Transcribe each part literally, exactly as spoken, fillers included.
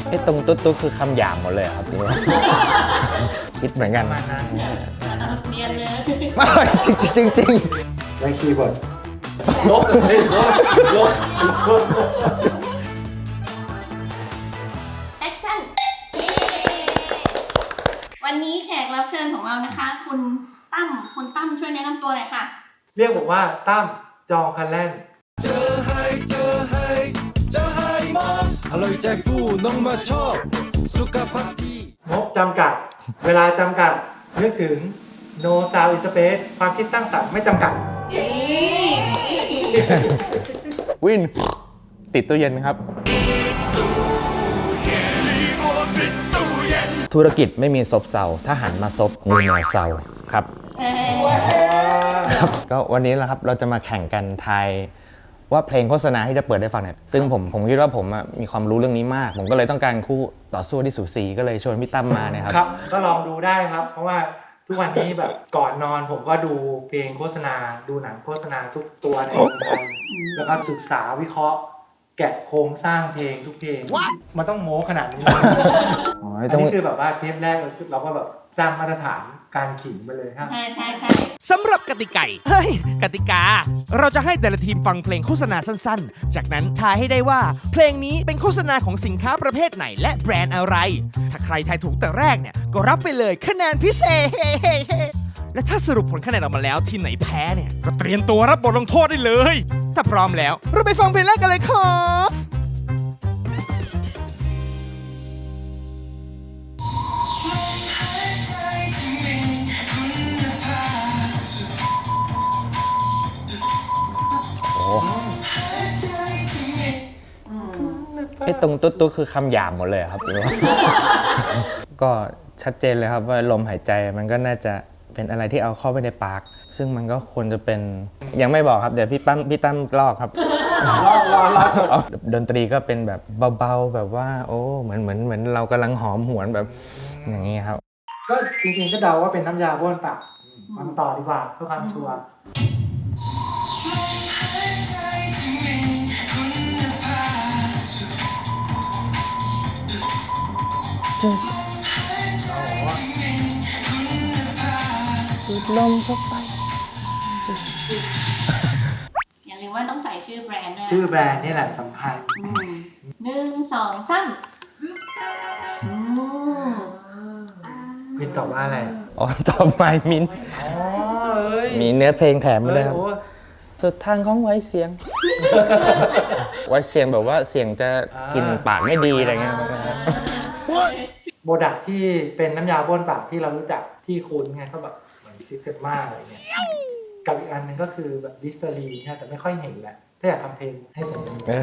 ไอ้ตรงตุ๊ดตุ๊ดคือคำหยาบหมดเลยครับคิดเหมือนกันเรียนเลยไม่จริงจริงจริงได้คีย์บอร์ดลบเลยลบลบแอคชั่นวันนี้แขกรับเชิญของเรานะคะ คุณตั้มคุณตั้มช่วยแนะนำตัวหน่อยค่ะเรียกผมว่าตั้มจอคันแล่นเจอให้เจอให้เจอให้มองอร่อยใจฟูน้องมาชอบสุขภาพดีงบจำกัดเวลาจำกัดนึกถึง no sound in space ความคิดสร้างสรรค์ไม่จำกัดวินติดตู้เย็นครับธุรกิจไม่มีซบเซาถ้าหันมาซบมีแนวเซาครับครับก็วันนี้แหละครับเราจะมาแข่งกันทายว่าเพลงโฆษณาที่จะเปิดได้ฟังเนี่ยซึ่งผมผมคิดว่าผมมีความรู้เรื่องนี้มากผมก็เลยต้องการคู่ต่อสู้ที่สูสีก็เลยชวนพี่ตั้มมาเนี่ยครับครับก็ลองดูได้ครับเพราะว่าทุกวันนี้แบบก่อนนอนผมก็ดูเพลงโฆษณาดูหนังโฆษณาทุกตัวในเมืองไทยแล้วก็ศึกษาวิเคราะห์แกะโครงสร้างเพลงทุกเพลงมันต้องโม้ขนาดนี้อันนี้คือแบบว่าเทปแรกเราก็แบบสร้างมาตรฐานการขิงไปเลยครับใช่ใช่ใช่สำหรับกติกาเฮ้ยกติกาเราจะให้แต่ละทีมฟังเพลงโฆษณาสั้นๆจากนั้นทายให้ได้ว่าเพลงนี้เป็นโฆษณาของสินค้าประเภทไหนและแบรนด์อะไรถ้าใครทายถูกแต่แรกเนี่ยก็รับไปเลยคะแนนพิเศษและถ้าสรุปผลคะแนนออกมาแล้วทีมไหนแพ้เนี่ยก็เตรียมตัวรับบทลงโทษได้เลยถ้าพร้อมแล้วเราไปฟังเพลงแรกกันเลยครับไอ้ตรงตุ๊ดตุ๊ดคือคำหยาบหมดเลยครับก็ชัดเจนเลยครับว่าลมหายใจมันก็น่าจะเป็นอะไรที่เอาเข้าไปในปากซึ่งมันก็ควรจะเป็นยังไม่บอกครับเดี๋ยวพี่ตั้มพี่ตั้มลอกครับลอกลอกลอกดนตรีก็เป็นแบบเบาๆแบบว่าโอ้เหมือนเหมือนเหมือนเรากำลังหอมหวนแบบอย่างนี้ครับก็จริงๆก็เดาว่าเป็นน้ำยาบ้วนปากฟังต่อดีกว่าเพื่อความชัวร์สุดสุดลมเข้าไปอย่าลืมว่าต้องใส่ชื่อแบรนด์ด้วยชื่อแบรนด์นี่แหละสำคัญหนึ่งสองสามมินตอบว่าอะไรอ๋อตอบไมมินมีเนื้อเพลงแถมมาเลยครับสุดทางของไว้เสียงไว้เสียงแบบว่าเสียงจะกินปากไม่ดีอะไรเงี้ยโปรดักที่เป็นน้ำยาบ้วนปากที่เรารู้จักที่คุ้นไงก็แบบเหมือนซิสเต็มมาอะไรเงี้ยกับอีกอันนึงก็คือแบบดิสเตอรีนะแต่ไม่ค่อยเห็นแหละถ้าอยากทำเพลงให้ผม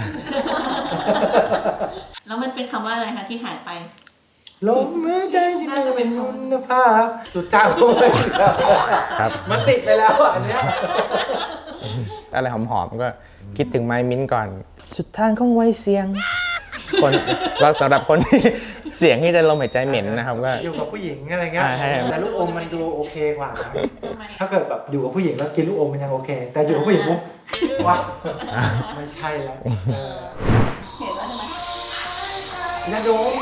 แล้วมันเป็นคำว่าอะไรคะที่หายไปลมหายใจที่น่าจะเป็นคุณภาพสุดท้ายครับมันติดไปแล้วอันเนี้ยอะไรหอมๆก็คิดถึงไมมิ้นก่อนสุดทางของไว้เสียงคนเราสำหรับคนที่เสียงที่จะลมหายใจเหม็นนะครับก็อยู่กับผู้หญิงอะไรเงี้ยแต่ลูกอมมันดูโอเคกว่าถ้าเกิดแบบอยู่กับผู้หญิงแล้วกินลูกอมมันยังโอเคแต่อยู่กับผู้หญิงปุ๊บว่าไม่ใช่แล้วเห็นแล้วใช่ไหมยาดม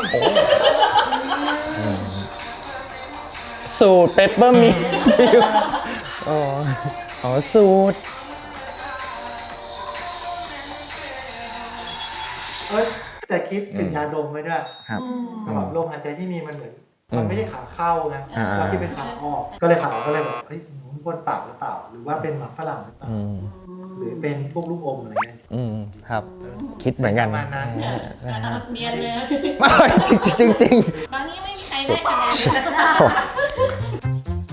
สูตรเปปเปอร์มินต์อ๋ออ๋อสูตรเอ้ยแต่คิดเป็นยาดมไว้ด้วยแบบลมหายใจที่มีมันเหมือนมันไม่ใช่ขาเข้านะเราคิดเป็นขาออกก็เลยขาออกก็เลยแบบเฮ้ยบ้วนปากหรือเปล่าหรือว่าเป็นหมากฝรั่งหรือเปล่าหรือเป็นพวกลูกอมอะไรเงี้ยอืมครับคิดเหมือนกันประมาณนั้นเนียนเลยไม่จริงจริงจริงตอนนี้ไม่มีใครได้คะแนน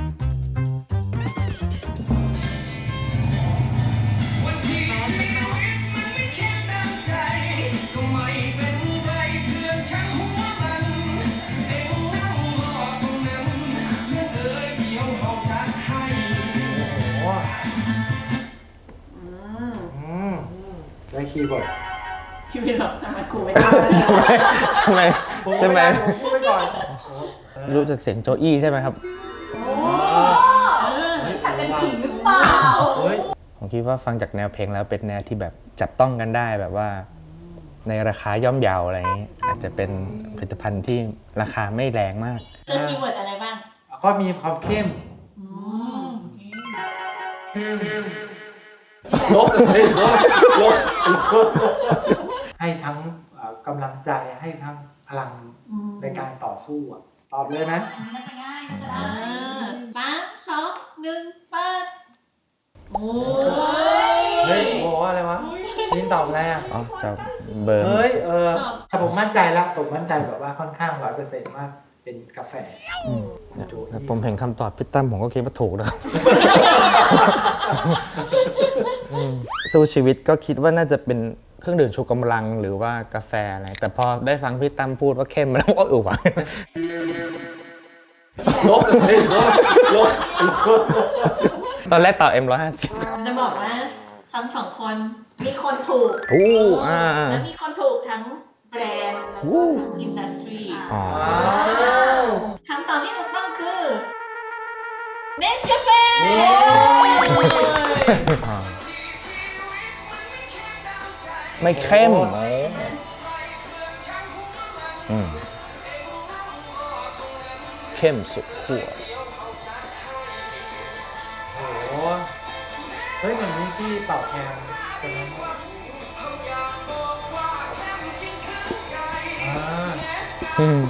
ได้คีย์บอร์ดพี่พี่หรอทำไมครูไม่ได้ทำไมทำไมทำไมพูดไปก่อนรู้จักเสียงโจอี้ใช่ไหมครับโอ้ขัดกันขิงหรือเปล่าผมคิดว่าฟังจากแนวเพลงแล้วเป็นแนวที่แบบจับต้องกันได้แบบว่าในราคาย่อมเยาอะไรอย่างนี้อาจจะเป็นผลิตภัณฑ์ที่ราคาไม่แรงมากเจอคีย์เวิร์ดอะไรบ้างก็มีความเข้มอืมลบเลยลบลบให้ทั้งเอ่อกำลังใจให้ทั้งพลังในการต่อสู้อะตอบเลยนะน่าจะง่ายน่าจะได้สามสองหนึ่งเปิดโอ้ยเฮ้ยโอ้โหอะไรวะลินตอบอะไรอ่ะอ๋อจะเบอร์เฮ้ยเออถ้าผมมั่นใจละผมมั่นใจแบบว่าค่อนข้างร้อยเปอร์เซ็นต์ว่าเป็นกาแฟ โจทย์แล้วผมเห็นคำตอบพี่ตั้มผมก็คิดว่าถูกนะครับ อืมสู้ชีวิตก็คิดว่าน่าจะเป็นเครื่องดื่มชูกำลังหรือว่ากาแฟอะไรแต่พอได้ฟังพี่ตั้มพูดว่าเข้มแล้วก็เออว่ะลบเลยลบลบลบตอนแรกตอบ เอ็ม ร้อยห้าสิบจะบอกว่าทั้งสองคนมีคนถูกอู้อ่าและมีคนถูกทั้งแบรนด์แล้วก็ทั้งอินดัสทรีอ๋อคำตอบที่ถูกต้องคือเนสกาแฟอ่าไม่เข้มอืมเข้มสุดขั้วโอ้โหเฮ้ยเหมือนมีที่เป่าแคนคนนั้นอ่าอืม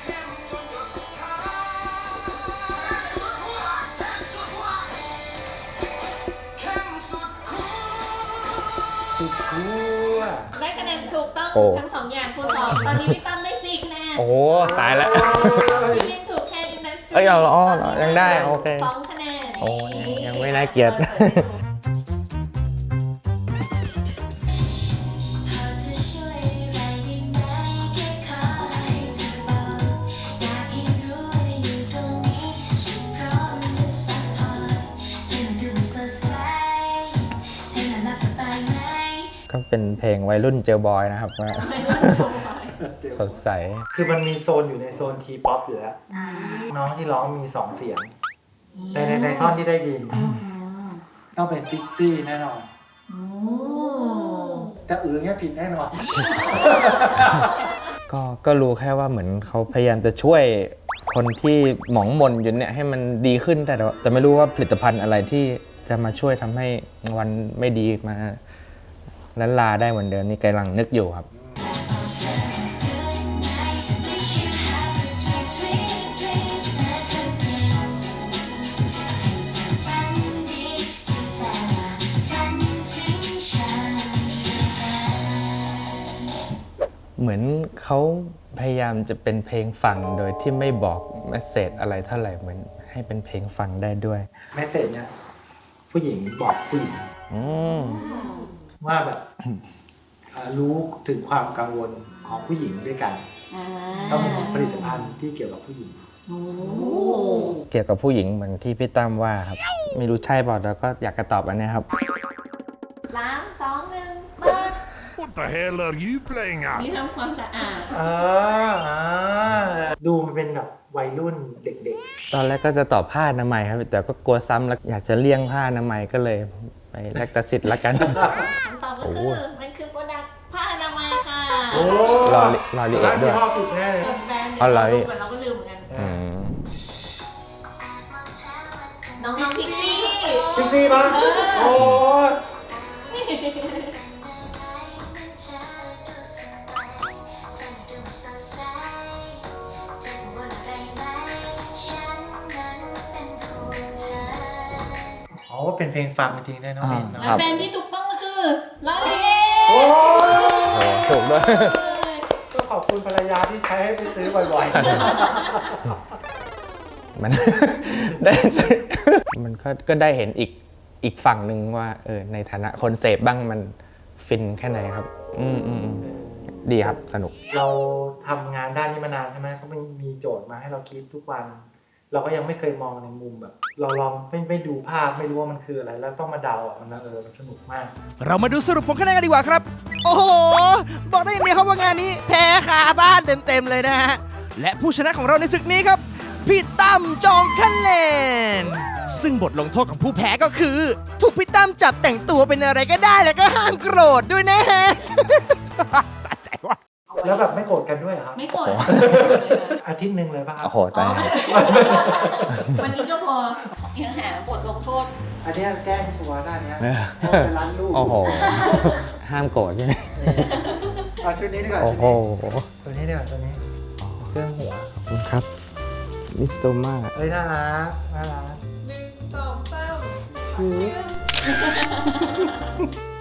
สุดขั้วได้คะแนนถูกต้องโอ้ทั้งสองอย่างคูณสองตอนนี้พี่ตั้มได้สี่คะแนนโอ้โหตายแล้วพี่ลินถูกแค่อินดัสทรีเอ้ยเอาเหรออ๋อเหรอยังได้โอเคสองคะแนนโอ้ยยังไม่น่าเกลียด ก็เป็นเพลงวัยรุ่นเจลบอยนะครับว่า สดใสคือมันมีโซนอยู่ในโซนทีป๊อปอยู่แล้ว น้องที่ร้องมีสองเสียงในในในท่อนที่ได้ยิน ต้องเป็นพิกซี่แน่นอนแต่อื่นเนี้ยผิดแน่นอนก็ก็รู้แค่ว่าเหมือนเขาพยายามจะช่วยคนที่หมองหมนอยู่เนี่ยให้มันดีขึ้นแต่ว่าแต่ไม่รู้ว่าผลิตภัณฑ์อะไรที่จะมาช่วยทำให้วันไม่ดีมาละลาได้เหมือนเดิมนี่กำลังนึกอยู่ครับ เหมือนเขาพยายามจะเป็นเพลงฟังโดยที่ไม่บอกเมสเสจอะไรเท่าไหร่เหมือนให้เป็นเพลงฟังได้ด้วยแมสเซจเนี่ยผู้หญิงบอกผู้หญิงอืมว่าแบบอ่ารู้ถึงความกังวลของผู้หญิงด้วยกันต้องมีผลิตภัณฑ์ที่เกี่ยวกับผู้หญิงเกี่ยวกับผู้หญิงเหมือนที่พี่ตั้มว่าครับ ไม่รู้ใช่เปล่าแต่ก็อยากจะตอบอันเนี้ยครับสามสองหนึ่งเปิด What the hell are you playing at? นี่ทำความสะอาดเอออ่าดูมันเป็นแบบวัยรุ่นเด็กตอนแรกก็จะตอบผ้าอนามัยครับ แต่ก็กลัวซ้ำแล้วอยากจะเลี่ยงผ้าอนามัยก็เลยไปแลกตาสิทธิ์ละกันคำตอบก็คือมันคือโปรดักต์ผ้าอนามัยค่ะๆ โอ้รอลิรอลิเอะด้วยร้านที่พ่อผิดแน่เลยเกิดแบรนด์อ๋อเหรอเดียวกันเราก็ลืมเหมือนกันอืมน้องๆพิกซี่พิกซี่ปะโอ้ย อ๋อเป็นเพลงฟังจริงๆได้น้องมินและเนาะแบรนด์ที่ถูกต้องก็คือลอรีเอโอ้ยโอ้ถูกด้วยก็ขอบคุณภรรยาที่ใช้ให้ไปซื้อบ่อยมัน ได้มันก็ก็ได้เห็นอีกอีกฝั่งหนึ่งว่าเออในฐานะคนเสพบ้างมันฟินแค่ไหนครับ อืมอืมอืมดีครับสนุกๆ เราทำงานด้านนี้มานานใช่ไหมเขาไม่มีโจทย์มาให้เราคิดทุกวัน เราก็ยังไม่เคยมองในมุมแบบ เราลองไม่ไม่ดูภาพไม่รู้ว่ามันคืออะไร แล้วต้องมาเดาอ่ะมันเออมันสนุกมากเรามาดูสรุปผลคะแนนกันดีกว่าครับ โอ้โห บอกได้อย่างเดียวครับว่างานนี้แพ้คาบ้านเต็มๆเลยนะฮะ และผู้ชนะของเราในศึกนี้ครับ พี่ตั้มจองคะแนน ซึ่งบทลงโทษของผู้แพ้ก็คือ ถูกพี่ตั้มจับแต่งตัวเป็นอะไรก็ได้แล้วก็ห้ามโกรธด้วยนะฮะ สะใจแล้วแบบไม่โกรธกันด้วยเหรอครับไม่โกรธอาทิตย์หนึ่งเลยป่ะครับโอ้โหตายวันนี้ก็พอยังหาบทลงโทษอันเนี้ยแกล้งชัวร์หน้าเนี้ยเออเอาไปร้านลูกโอ้โห ห้ามโกรธใช่ไหมเอาชุดนี้ดีกว่าโอ้ชุดโหนี้ตัวนี้ดีกว่าตัวนี้เครื่องหัวครับ มิโซมาเอ้ยน่ารักน่ารักหนึ่งสองสาม